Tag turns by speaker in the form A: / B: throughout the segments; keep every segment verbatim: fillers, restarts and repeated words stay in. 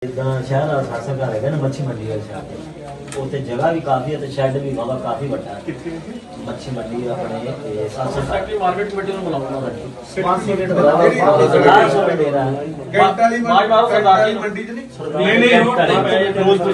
A: जिदा शहर वाला खासा घर है ना मच्छी मंडी वाले शहर उत्थे जगह भी काफ़ी है तो शैड भी वाला काफ़ी बड़ा है। मच्छी मंडी अपने सैकटरी मार्केट कमेटी में बुलाऊंगा पाँच सौ मिनट हजार सौ मिनट दे रहा है मंडी च नहीं नहीं फिरोजपुर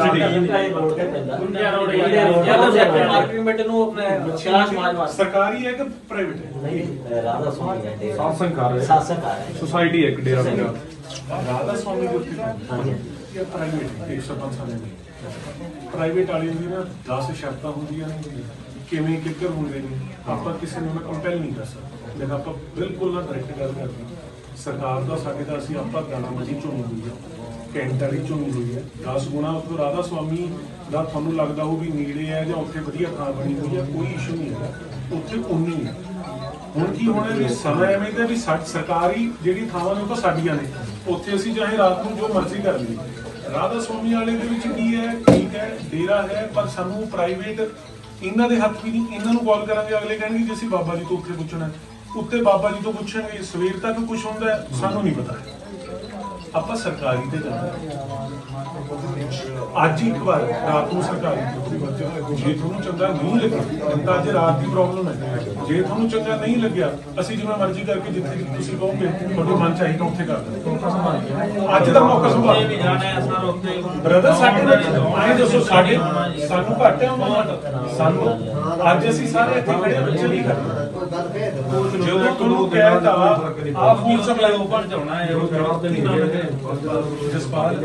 A: सिटी
B: सरकारी है कि प्राइवेट है?
A: नहीं राधा स्वामी है
B: सासंकार है
A: सासंकार है
B: सोसाइटी है डेरा राधा स्वामी जो
A: हाँ जी
B: या प्राइवेट एक सरपंच वाले ने ਪ੍ਰਾਈਵੇਟ ਵਾਲੇ ਦੀ ਨਾ ਦਸ ਸ਼ਰਤਾਂ ਹੁੰਦੀਆਂ ਨੇ ਕਿਵੇਂ ਕਿੱਕਰ ਹੁੰਦੇ ਨੇ ਆਪਾਂ ਕਿਸੇ ਨੂੰ ਕੰਪੈਲ ਨਹੀਂ ਕਰ ਸਕਦੇ ਜਦ ਆਪਾਂ ਬਿਲਕੁਲ ਨਾ ਡਾਇਰੈਕਟ ਗੱਲ ਕਰਦੇ ਸਰਕਾਰ ਦਾ ਸਾਡੇ ਦਾ ਅਸੀਂ ਆਪਾਂ ਦਾਣਾ ਮੰਡੀ ਚੁਣੀ ਹੋਈ ਹੈ ਕੈਂਟ ਵਾਲੀ ਚੁਣੀ ਹੋਈ ਹੈ ਦਸ ਗੁਣਾ ਉੱਥੇ ਰਾਧਾ ਸਵਾਮੀ ਦਾ ਤੁਹਾਨੂੰ ਲੱਗਦਾ ਉਹ ਵੀ ਨੇੜੇ ਹੈ ਜਾਂ ਉੱਥੇ ਵਧੀਆ ਥਾਂ ਬਣੀ ਹੋਈ ਹੈ ਕੋਈ ਇਸ਼ੂ ਨਹੀਂ ਹੈ ਉੱਥੇ ਉਨੀ ਹੈ ਹੁਣ ਕੀ ਹੋਣਾ ਵੀ ਸਮਾਂ ਐਵੇਂ ਦਾ ਵੀ ਸਰਕਾਰੀ ਜਿਹੜੀ ਥਾਵਾਂ ਨੇ ਉਹ ਤਾਂ ਸਾਡੀਆਂ ਨੇ ਉੱਥੇ ਅਸੀਂ ਚਾਹੇ ਰਾਤ ਨੂੰ ਜੋ ਮਰਜ਼ੀ ਕਰ ਲਈਏ ਰਾਧਾ ਸਵਾਮੀ ਵਾਲੇ ਦੇ ਵਿੱਚ ਕੀ ਹੈ ਠੀਕ ਹੈ ਡੇਰਾ ਹੈ ਪਰ ਸਾਨੂੰ ਪ੍ਰਾਈਵੇਟ ਇਹਨਾਂ ਦੇ ਹੱਥ ਵੀ ਨਹੀਂ ਇਹਨਾਂ ਨੂੰ ਕਾਲ ਕਰਾਂਗੇ ਅਗਲੇ ਕਹਿਣਗੇ ਜੀ ਅਸੀਂ ਬਾਬਾ ਜੀ ਤੋਂ ਉੱਥੇ ਪੁੱਛਣਾ ਉੱਤੇ ਬਾਬਾ ਜੀ ਤੋਂ ਪੁੱਛਣਗੇ ਸਵੇਰ ਤੱਕ ਕੁਝ ਹੁੰਦਾ ਸਾਨੂੰ ਨਹੀਂ ਪਤਾ ਆਪਾਂ ਸਰਕਾਰੀ ਤੇ ਜਾਂਦੇ ਅੱਜ ਇੱਕ ਵਾਰ ਰਾਤ ਨੂੰ ਸਰਕਾਰੀ ਜੇ ਤੁਹਾਨੂੰ ਚੰਗਾ ਨਹੀਂ ਲੱਗਿਆ ਤਾਂ ਅੱਜ ਰਾਤ ਦੀ ਪ੍ਰੋਬਲਮ ਹੈ ਜੇ ਤੁਹਾਨੂੰ ਚੰਗਾ ਨਹੀਂ ਲੱਗਿਆ ਅਸੀਂ ਜਿਵੇਂ ਮਰਜ਼ੀ ਕਰਕੇ ਜਿੱਥੇ ਤੁਸੀਂ ਕਹੋਗੇ ਤੁਹਾਡੇ ਮਨ ਚਾਹੀਦਾ ਉੱਥੇ ਕਰ ਦਿਓ ਅੱਜ ਦਾ ਮੌਕਾ ਸੰਭਾਲ ਵੀ ਜਾਣਾ ਹੈ ਸਰ ਉੱਥੇ ਬ੍ਰਦਰ ਸਾਡੇ ਨਾਲ ਆਏ ਦੱਸੋ ਸਾਡੇ ਸਾਨੂੰ ਘੱਟ ਹੈ ਉਹਨਾਂ ਸਾਨੂੰ ਅੱਜ ਅਸੀਂ ਸਾਰੇ ਇੱਥੇ ਖੜੇ ਬੱਚੇ ਨਹੀਂ ਕਰਦੇ ਜਦੋਂ ਤੁਹਾਨੂੰ ਕਹਿਤਾ ਆਪ ਫੂਡ ਸਪਲਾਈ ਓਪਨ ਚਾਉਣਾ ਹੈ ਉਹ ਜਵਾਬ ਤੇ ਨਹੀਂ ਜਸਪਾਲ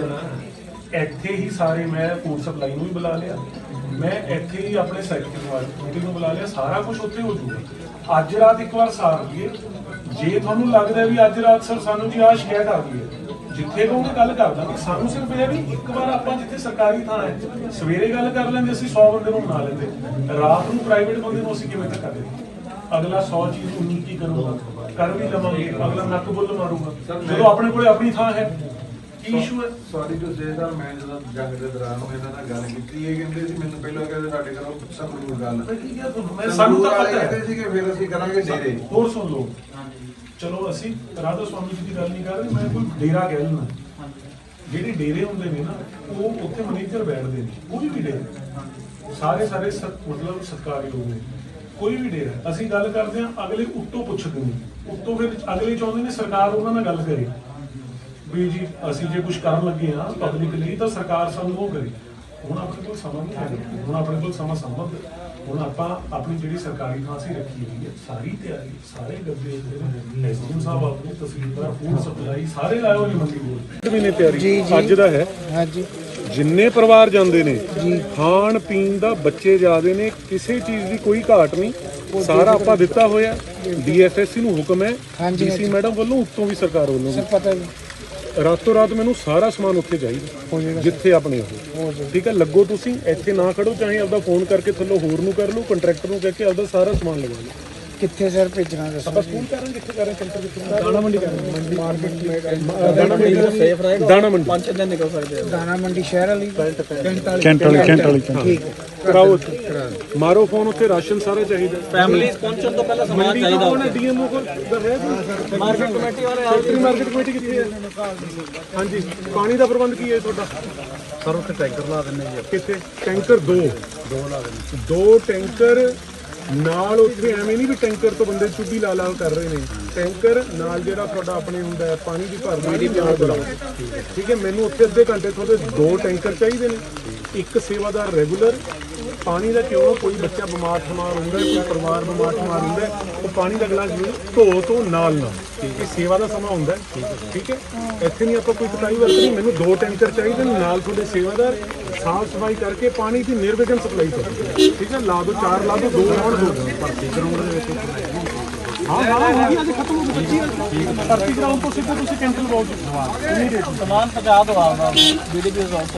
B: ਇੱਥੇ ਹੀ ਸਾਰੇ ਮੈਂ ਫੂਡ ਸਪਲਾਈ ਨੂੰ ਵੀ ਬੁਲਾ ਲਿਆ ਮੈਂ ਇੱਥੇ ਹੀ ਆਪਣੇ ਸੈਕਟਰੀ ਮੀਟਿੰਗ ਨੂੰ ਬੁਲਾ ਲਿਆ ਸਾਰਾ ਕੁਝ ਉੱਥੇ ਹੋ ਜੂਗਾ ਅੱਜ ਰਾਤ ਇੱਕ ਵਾਰ ਸਾਰ ਲਈਏ ਜੇ ਤੁਹਾਨੂੰ ਲੱਗਦਾ ਵੀ ਅੱਜ ਰਾਤ ਸਰ ਸਾਨੂੰ ਜੀ ਆਹ ਸ਼ਿਕਾਇਤ ਆ ਗਈ ਹੈ ਜਿੱਥੇ ਕਹੋਗੇ ਗੱਲ ਕਰ ਦਾਂਗੇ ਸਾਨੂੰ ਸਿਰਫ ਇਹ ਵੀ ਇੱਕ ਵਾਰ ਆਪਾਂ ਜਿੱਥੇ ਸਰਕਾਰੀ ਥਾਂ ਹੈ ਸਵੇਰੇ ਗੱਲ ਕਰ ਲੈਂਦੇ ਅਸੀਂ ਸੌ ਬੰਦੇ ਨੂੰ ਬਣਾ ਲੈਂਦੇ ਰਾਤ ਨੂੰ ਪ੍ਰਾਈਵੇਟ ਬੰਦੇ ਨੂੰ ਅਸੀਂ ਕਿਵੇਂ ਤੱਕ ਕਰਦੇ ਅਗਲਾ ਸੌ ਚੀਜ਼ ਉਨੀ ਕੀ ਕਰੂਗਾ ਕਰ ਵੀ ਲਵਾਂਗੇ ਅਗਲਾ ਨੱਕ ਬੁੱਲ ਮਾਰੂਗਾ ਜਦੋਂ ਆਪਣੇ ਕੋਲੇ ਆਪਣੀ ਥਾਂ ਹੈ ਕੀ ਇਸ਼ੂ ਹੈ
C: ਸੌਰੀ ਟੂ ਸੇ ਸਰ ਮੈਂ ਜਦੋਂ ਜੰਗ ਦੇ ਦੌਰਾਨ ਮੈਂ ਇਹਨਾਂ ਨਾਲ ਗੱਲ ਕੀਤੀ ਇਹ ਕਹਿੰਦੇ ਸੀ ਮੈਨੂੰ ਪਹਿਲਾਂ ਕਹਿੰਦੇ ਸਾਡੇ ਘਰੋਂ ਸੰਗਰੂਰ ਗੱਲ
B: ਮੈਂ ਸਾਨੂੰ ਤਾਂ ਪਤਾ ਹੈ
C: ਸੀ ਕਿ ਫਿਰ ਅਸੀਂ ਕਰਾਂਗੇ ਡੇਰੇ
B: ਹੋਰ ਸੁਣ ਲਓ ਚਲੋ ਅਸੀਂ ਰਾਧਾ ਸਵਾਮੀ ਜੀ ਦੀ ਗੱਲ ਨਹੀਂ ਕਰ ਰਹੇ ਮੈਂ ਕੋਈ ਡੇਰਾ ਕਹਿ ਲੈਣਾ ਜਿਹੜੇ ਡੇਰੇ ਹੁੰਦੇ ਨੇ ਨਾ ਉਹ ਉੱਥੇ ਮੈਨੇਜਰ ਬੈਠਦੇ ਨੇ ਕੋਈ ਵੀ ਡੇਰਾ ਸਾਰੇ ਸਾਰੇ ਮਤਲਬ ਸਰਕਾਰੀ ਹੋਵੇ ਕੋਈ ਵੀ ਡੇਰਾ ਅਸੀਂ ਗੱਲ ਕਰਦੇ ਹਾਂ ਅਗਲੇ ਉੱਤੋਂ ਪੁੱਛਦੇ ਨੇ ਉੱਤੋਂ ਫਿਰ ਅਗਲੇ ਚਾਹੁੰਦੇ ਨੇ ਸਰਕਾਰ ਉਹਨਾਂ ਨਾਲ ਗੱਲ ਕਰੇ ਵੀ ਜੀ ਅਸੀਂ ਜੇ ਕੁਝ ਕਰਨ ਲੱਗੇ ਹਾਂ ਪਬਲਿਕ ਲਈ ਤਾਂ ਸਰਕਾਰ ਸਾਨੂੰ ਉਹ ਕਰੇ ਹੁਣ ਆਪਣੇ ਕੋਲ ਸਮਾਂ ਨਹੀਂ ਹੈ ਹੁਣ ਆਪਣੇ ਕੋਲ ਸਮਾਂ ਸੰਭਵ ਹੁਣ ਆਪਾਂ ਆਪਣੀ ਜਿਹੜੀ ਸਰਕਾਰੀ ਥਾਂ ਅਸੀਂ ਰੱਖੀ ਹੋਈ ਹੈ ਸਾਰੀ ਤਿਆਰੀ ਸਾਰੇ ਗੱਦੇ ਐਸਡੀਐਮ ਸਾਹਿਬ ਆਪਣੇ ਤਹਿਸੀਲਦਾਰ ਫੂਡ ਸਪਲਾਈ ਸਾਰੇ ਲਾਏ ਹੋਏ ਨੇ ਮੰਡੀ ਬੋਰਡ ਮਹੀਨੇ ਤਿਆਰੀ ਅੱਜ ਦਾ ਹੈ ਹਾਂਜੀ ਜਿੰਨੇ ਪਰਿਵਾਰ ਜਾਂਦੇ ਨੇ ਖਾਣ ਪੀਣ ਦਾ ਬੱਚੇ ਜਾਦੇ ਨੇ ਕਿਸੇ ਚੀਜ਼ ਦੀ ਕੋਈ ਘਾਟ ਨਹੀਂ ਸਾਰਾ ਆਪਾਂ ਦਿੱਤਾ ਹੋਇਆ ਡੀਐਫਐਸਸੀ ਨੂੰ ਹੁਕਮ ਹੈ ਡੀਸੀ ਮੈਡਮ ਵੱਲੋਂ ਉੱਤੋਂ ਵੀ ਸਰਕਾਰ ਵੱਲੋਂ ਵੀ ਪਤਾ ਰਾਤੋਂ ਰਾਤ ਮੈਨੂੰ ਸਾਰਾ ਸਮਾਨ ਉੱਥੇ ਚਾਹੀਦਾ ਜਿੱਥੇ ਆਪਣੇ ਉਹ ਠੀਕ ਹੈ ਲੱਗੋ ਤੁਸੀਂ ਇੱਥੇ ਨਾ ਖੜੋ ਚਾਹੇ ਆਪਦਾ ਫੋਨ ਕਰਕੇ ਥੱਲੋਂ ਹੋਰ ਨੂੰ ਕਰ ਲਓ ਕੰਟਰੈਕਟਰ ਨੂੰ ਕਹਿ ਕੇ ਆਪਦਾ ਸਾਰਾ ਸਮਾਨ ਲਗਾ ਲਓ
D: ਕਿੱਥੇ ਸਰ ਭੇਜਣਾ ਦੱਸੋ
B: ਆਪਾਂ ਸਕੂਲ ਕਰਾਂਗੇ ਕਿੱਥੇ ਕਰਾਂਗੇ ਸੈਂਟਰ ਕਿੱਥੇ
D: ਦਾਣਾ ਮੰਡੀ ਕਰਾਂਗੇ ਮੰਡੀ ਮਾਰਕੀਟ
B: ਦਾਣਾ ਮੰਡੀ ਦਾ ਸੇਫ ਰਹੇ ਦਾਣਾ ਮੰਡੀ ਪੰਜ ਦਿਨ ਨਿਕਲ ਸਕਦੇ ਆ
D: ਦਾਣਾ ਮੰਡੀ ਸ਼ਹਿਰ ਵਾਲੀ
B: ਕੈਂਟ ਵਾਲੀ ਕੈਂਟ ਵਾਲੀ ਠੀਕ ਕਰਾਓ ਮਾਰੋ ਫੋਨ ਉੱਥੇ ਰਾਸ਼ਨ ਸਾਰਾ ਚਾਹੀਦਾ
A: ਫੈਮਿਲੀਜ਼ ਪਹੁੰਚਣ ਤੋਂ ਪਹਿਲਾਂ ਸਮਾਨ ਚਾਹੀਦਾ
B: ਉਹਨੇ ਡੀਐਮਓ ਕੋਲ
A: ਮਾਰਕੀਟ ਕਮੇਟੀ ਵਾਲੇ
B: ਸੈਕਟਰੀ ਮਾਰਕੀਟ ਕਮੇਟੀ ਕਿੱਥੇ ਹੈ ਹਾਂਜੀ ਪਾਣੀ ਦਾ ਪ੍ਰਬੰਧ ਕੀ ਹੈ ਤੁਹਾਡਾ
C: ਸਰ ਉੱਥੇ ਟੈਂਕਰ ਲਾ ਦਿੰਦੇ ਜੀ
B: ਕਿੱਥੇ ਟੈਂਕਰ ਦੋ ਦੋ ਲਾ ਦਿੰਦੇ ਦੋ ਟੈਂਕਰ ਨਾਲ ਉੱਥੇ ਐਵੇਂ ਨਹੀਂ ਵੀ ਟੈਂਕਰ ਤੋਂ ਬੰਦੇ ਚੁੱਭੀ ਲਾ ਲਾ ਕਰ ਰਹੇ ਨੇ ਟੈਂਕਰ ਨਾਲ ਜਿਹੜਾ ਤੁਹਾਡਾ ਆਪਣੇ ਹੁੰਦਾ ਹੈ ਪਾਣੀ ਦੀ ਭਰਦੀ ਨਾਲ ਬੁਲਾਓ ਠੀਕ ਹੈ ਮੈਨੂੰ ਉੱਥੇ ਅੱਧੇ ਘੰਟੇ ਤੁਹਾਡੇ ਦੋ ਟੈਂਕਰ ਚਾਹੀਦੇ ਨੇ ਇੱਕ ਸੇਵਾਦਾਰ ਰੈਗੂਲਰ ਪਾਣੀ ਦਾ ਕਿਉਂ ਕੋਈ ਬੱਚਾ ਬਿਮਾਰ ਠਮਾਰ ਹੁੰਦਾ ਕੋਈ ਪਰਿਵਾਰ ਬਿਮਾਰ ਠਮਾਰ ਹੁੰਦਾ ਉਹ ਪਾਣੀ ਦਾ ਗਲਾਸ ਧੋ ਤੋਂ ਨਾਲ ਨਾਲ ਇਹ ਸੇਵਾ ਦਾ ਸਮਾਂ ਹੁੰਦਾ ਠੀਕ ਹੈ ਇੱਥੇ ਨਹੀਂ ਆਪਾਂ ਕੋਈ ਕਟਾਈ ਵਰਤਣੀ ਮੈਨੂੰ ਦੋ ਟੈਂਕਰ ਚਾਹੀਦੇ ਨੇ ਨਾਲ ਤੁਹਾਡੇ ਸੇਵਾਦਾਰ ਸਾਫ ਸਫਾਈ ਕਰਕੇ ਪਾਣੀ ਦੀ ਨਿਰਵਿਘਨ ਸਪਲਾਈ ਕਰੋ ਠੀਕ ਹੈ ਲਾ ਦੋ ਚਾਰ ਲਾ ਦੋ ਦੋ ਰਾਉਂਡ ਹੋ ਗਏ ਭਰਤੀ ਗਰਾਊਂਡ ਦੇ ਵਿੱਚ ਹਾਂ ਹਾਂ ਹੋ ਗਈ ਅੱਜ ਖਤਮ ਹੋ ਗਈ ਭਰਤੀ ਗਰਾਊਂਡ ਤੋਂ ਸਿੱਧਾ ਤੁਸੀਂ ਕੈਂਟਲ ਬਾਉ
A: ਸਮਾਨ ਪਹੁੰਚਾ ਦਿਓ ਆਪਦਾ ਵੀਡੀਓ